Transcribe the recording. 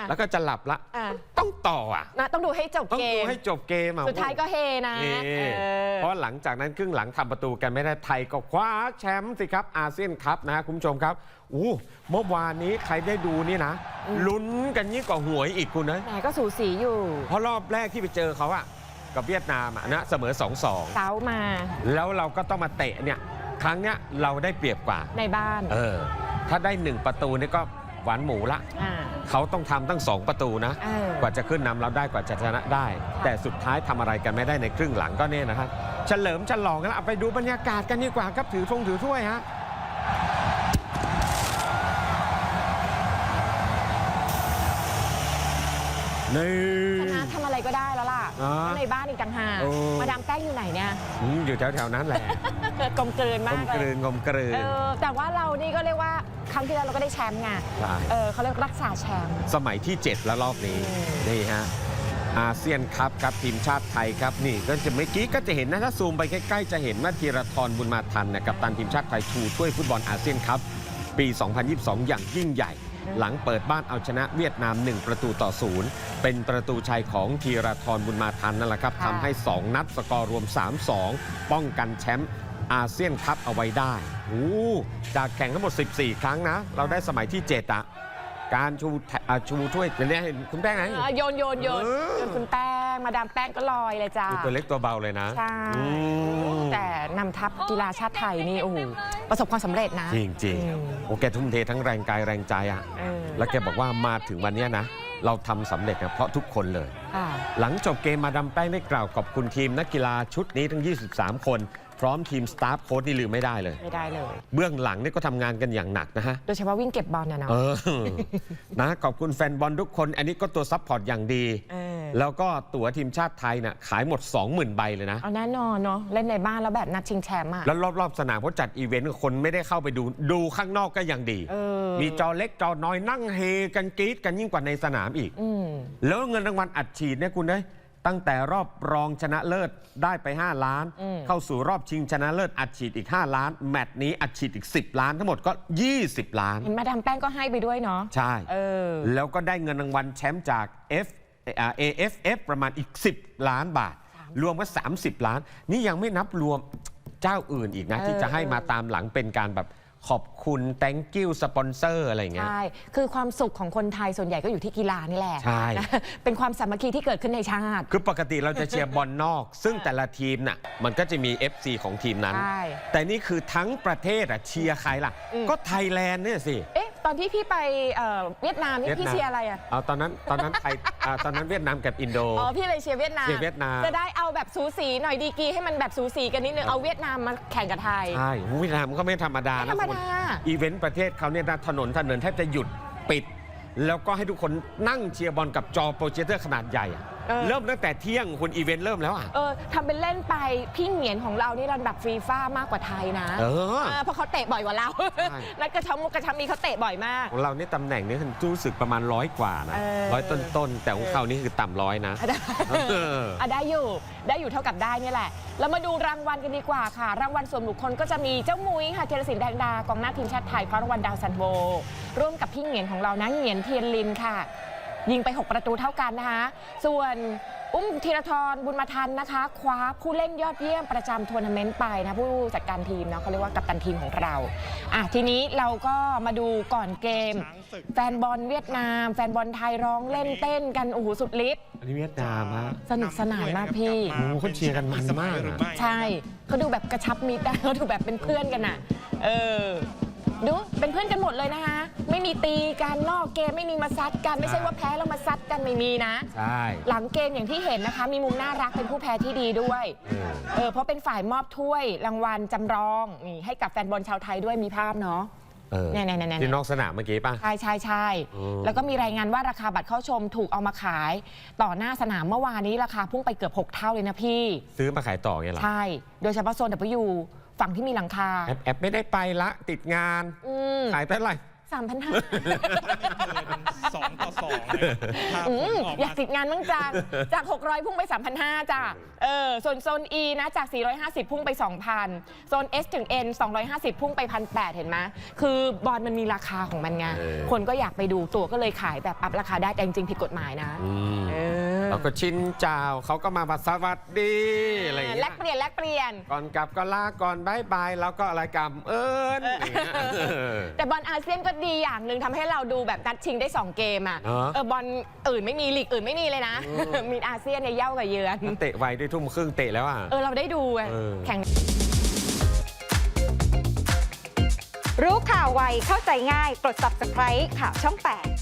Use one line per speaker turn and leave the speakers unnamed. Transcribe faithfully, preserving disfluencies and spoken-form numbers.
แล้วก็จะหลับละต้องต่ออ่ะ
นะต้องดูให้จบเกม
ต้องดูให้จบเกม
สุดท้ายก็เฮนะ
เพราะหลังจากนั้นครึ่งหลังทำประตูกันไม่ได้ไทยก็คว้าแชมป์สิครับอาเซียนคัพนะคุณผู้ชมครับอู้เมื่อวานนี้ใครได้ดูนี่นะลุ้นกันยิ่งกว่าหวยอีกคุณนะ
แต่ก็สูสีอยู่
เพราะรอบแรกที่ไปเจอเขาอะกับเวียดนามอะนะเสมอ สองสอง
เซ้ามา
แล้วเราก็ต้องมาเตะเนี่ยครั้งเนี้ยเราได้เปรียบกว่า
ในบ้าน
เออถ้าได้หนึ่งประตูนี่ก็หวานหมูละเขาต้องทำตั้งสองประตูนะกว่าจะขึ้นนำเราได้กว่าจะชนะได้แต่สุดท้ายทำอะไรกันไม่ได้ในครึ่งหลังก็เนี่ยนะครับเฉลิมฉลองกันแล้วเอาไปดูบรรยากาศกันดีกว่าครับถือธงถือถ้วยฮะ
ชนะทำอะไรก็ได้แล้วล่ะในบ้านอีกต่างหากมาดามแป้งอยู่ไหนเนี่ย
อยู่แถวๆนั้นแหละ
กลมกลืนมาก
เลยกลมกลืนกลมกลืน
แต่ว่าเรานี่ก็เรียกว่าครั้งที่แล้วเราก็ได้แชมป์ไงเขาเรียกรักษาแชมป์
สมัยที่เจ็ดแล้วรอบนี้นี่ฮะอาเซียนคัพครับทีมชาติไทยครับนี่ก็จะเมื่อกี้ก็จะเห็นนะถ้าซูมไปใกล้ๆจะเห็นว่าธีรทรบุญมาทันนะกัปตันทีมชาติไทยชูถ้วยฟุตบอลอาเซียนคัพปี สองพันยี่สิบสอง อย่างยิ่งใหญ่หลังเปิดบ้านเอาชนะเวียดนามหนึ่งประตูต่อศูนย์เป็นประตูชัยของธีรทรบุญมาทันนั่นแหละครับทำให้สองนัดสกอร์รวม สามสอง ป้องกันแชมป์อาเซียนคัพเอาไว้ได้โอ้จากแข่งทั้งหมดสิบสี่ครั้งนะเราได้สมัยที่เจ็ดอะการชูชูถ้วยจะเรียกคุณแป้งไง
โยนโยนโยนคุณแป้งมาดามแป้งก็ลอยเลยจ้า
ตัวเล็กตัวเบาเลยนะ
ใช่แต่นำทัพกีฬาชาติไทยนี่โอ้โหประสบความสำเร็จนะ
จริงจริงโอแกทุ่มเททั้งแรงกายแรงใจอ่ะแล้วแกบอกว่ามาถึงวันนี้นะเราทำสำเร็จนะเพราะทุกคนเลยหลังจบเกมมาดามแป้งได้กล่าวขอบคุณทีมนักกีฬาชุดนี้ทั้งยี่สิบสามคนพร้อมทีมสตาฟโค้ชนี่ลืมไม่ได้เลย
ไม่ได้เลย
เบื้องหลังนี่ก็ทำงานกันอย่างหนักนะฮะ
โดยเฉพาะวิ่งเก็บบอลนะเนาะ
นะขอบคุณแฟนบอลทุกคนอันนี้ก็ตัวซัพพอร์ตอย่างดีแล้วก็ตั๋วทีมชาติไทยน่ะขายหมด สองหมื่น ใบเลยนะ
เอาแน่นอนเนาะเล่นในบ้านแล้วแบบนัดชิงแชมป์อ่ะ
แล้วรอบๆสนามเขาจัดอีเวนต์คนไม่ได้เข้าไปดูดูข้างนอกก็ยังดีมีจอเล็กจอน้อยนั่งเฮกันกรี๊ดกันยิ่งกว่าในสนามอีกแล้วเงินรางวัลอัดฉีดเนี่ยคุณเอ้ยตั้งแต่รอบรองชนะเลิศได้ไปห้าล้านเข้าสู่รอบชิงชนะเลิศอัดฉีดอีกห้าล้านแมตช์นี้อัดฉีดอีกสิบล้านทั้งหมดก็ยี่สิบล้าน
เห็นมาดามแป้งก็ให้ไปด้วยเนาะ
ใช่แล้วก็ได้เงินรางวัลแชมป์จาก F เอ เอฟ เอฟ ประมาณอีกสิบล้านบาทรวมก็สามสิบล้านนี่ยังไม่นับรวมเจ้าอื่นอีกนะที่จะให้มาตามหลังเป็นการแบบขอบคุณ thank you สปอนเซอร์อะไรเงี้ย
ใช่คือความสุขของคนไทยส่วนใหญ่ก็อยู่ที่กีฬานี่แหละ
ใช่
เป็นความสามัคคีที่เกิดขึ้นในชาติ
คือปกติเราจะเชียร์บอลนอกซึ่งแต่ละทีมน่ะมันก็จะมี เอฟ ซี ของทีมนั้นแต่นี่คือทั้งประเทศอ่ะเชียร์ใครล่ะก็ไทยแลนด์เนี่ยสิ
เอ๊ะตอนที่พี่ไปเวียดนามนี่พี่เชียร์อะไรอ่ะ
เอาตอนนั้นตอนนั้นไทยตอนนั้นเวียดนามกับอินโด
อ๋อพี่เลยเชียร์เวียดนาม
เชียร์เวียดนาม
จะได้เอาแบบสูสีหน่อยดีกีให้มันแบบสูสีกันนิดนึงเอาเวียดนามมาแข่งกับไทย
ใช่เวียดนามก็ไม่ธรรมดานะอีเวนต์ประเทศเขาเนี่ยถนนถนนแทบจะหยุดปิดแล้วก็ให้ทุกคนนั่งเชียร์บอลกับจอโปรเจคเตอร์ขนาดใหญ่เริ่มตั้งแต่เที่ยงคุณอีเวนต์เริ่มแล้วอ่ะ
เออทำเป็นเล่นไปพี่เหงียนของเรานี่ระดับฟีฟ่ามากกว่าไทยนะเออเพราะเขาเตะบ่อยกว่าเรานักกระชับมุกกระชับมีเขาเตะบ่อยมาก
ของเรานี่ตำแหน่งนี้รู้สึกประมาณร้อยกว่านะร้อยต้นๆแต่ของเขานี่คือต่ำร้อยนะ
ได้อยู่ได้อยู่เท่ากับได้นี่แหละเรามาดูรางวัลกันดีกว่าค่ะรางวัลส่วนบุคคลก็จะมีเจ้ามุ้ยค่ะธีรศิลป์แดงดากองหน้าทีมชาติไทยคว้ารางวัลดาวซันโบร่วมกับพี่เหงียนของเรานะเหงียนเทียนลินค่ะยิงไปหกประตูเท่ากันนะคะส่วนอุ้มธีรทรบุญมาทันนะคะคว้าผู้เล่นยอดเยี่ยมประจำทัวร์นาเมนต์ไปนะผู้จัดการทีมนะเขาเรียกว่ากัปตันทีมของเราอ่ะทีนี้เราก็มาดูก่อนเกมแฟนบอลเวียดนามแฟนบอลไทยร้องเล่นเต้นกันโอ้โหสุดฤทธิ์
อันนี้เวียดนามฮะ
สนุกสนานมากพี่
โอ้เขาเชียร์กันมันมาก
ใช่เขาดูแบบกระชับมิตรเขาดูแบบเป็นเพื่อนกันอ่ะเออดูเป็นเพื่อนกันหมดเลยนะคะไม่มีตีกันนอกเกมไม่มีมาซัดกันไม่ใช่ว่าแพ้แล้วมาซัดกันไม่มีนะ
ใช่
หลังเกมอย่างที่เห็นนะคะมีมุมน่ารักเป็นผู้แพ้ที่ดีด้วยเออเพราะเป็นฝ่ายมอบถ้วยรางวัลจำลองนี่ให้กับแฟนบอลชาวไทยด้วยมีภาพเนาะ
เนี่ยเนี่ยที่นอกสนามเมื่อกี้ป่ะ
ใช่ใช่ใช่แล้วก็มีรายงานว่าราคาบัตรเข้าชมถูกเอามาขายต่อหน้าสนามเมื่อวานนี้ราคาพุ่งไปเกือบหกเท่าเลยนะพี่
ซื้อมาขายต่อไงล่ะ
ใช่โดยเฉพาะโซน ดับเบิลยู ฝั่งที่มีหลังคา
แอบไม่ได้ไปละติดงานขายเท่าไหร่
สามพันห้า
สองต่อสององเลยภาพ
อื
ผล
ม
ออก
อยาม
าก
ติดงานมั่งจัง จาก หกร้อย พุ่งไป สามพันห้าร้อย จ้ะเออส่วนโซน E นะจาก สี่ร้อยห้าสิบ พุ่งไป สองพัน โซน S ถึง N สองร้อยห้าสิบ พุ่งไป หนึ่งพันแปดร้อย เห็นไหมคือบอลมันมีราคาของมันไง
เออ
คนก็อยากไปดูตัวก็เลยขายแบบอัพราคาได้แต่จริงๆผิดกฎหมายนะ
อืม
เออ
แล้วก็ชินเจ้าเขาก็มามาสวัสดีอะไรอย่าง
แล
เงี้
ก
ย
เปลี่ยนแลกเปลี่ยน
ก่อนกลับก็ลาก่อนบายบายแล้วก็อะไรกรรมเอิญอย่างเงี้ย
แต่บอลอาเซียนก็ดีอย่างหนึ่งทำให้เราดูแบบนัดชิงได้ สอง เกมอ่ะ
เออ
เออบอลอื่นไม่มีลีกอื่นไม่มีเลยนะ มีอาเซียนในยเย่ากับเยือน
เตะไวด้วยทุ่มครึ่งเตะแล้วอ่ะ
เออเราได้ดูอะ
เออ
แข่ง
รู้ข่าวไวเข้าใจง่ายกด ซับสไครบ์ ข่าวช่องแปด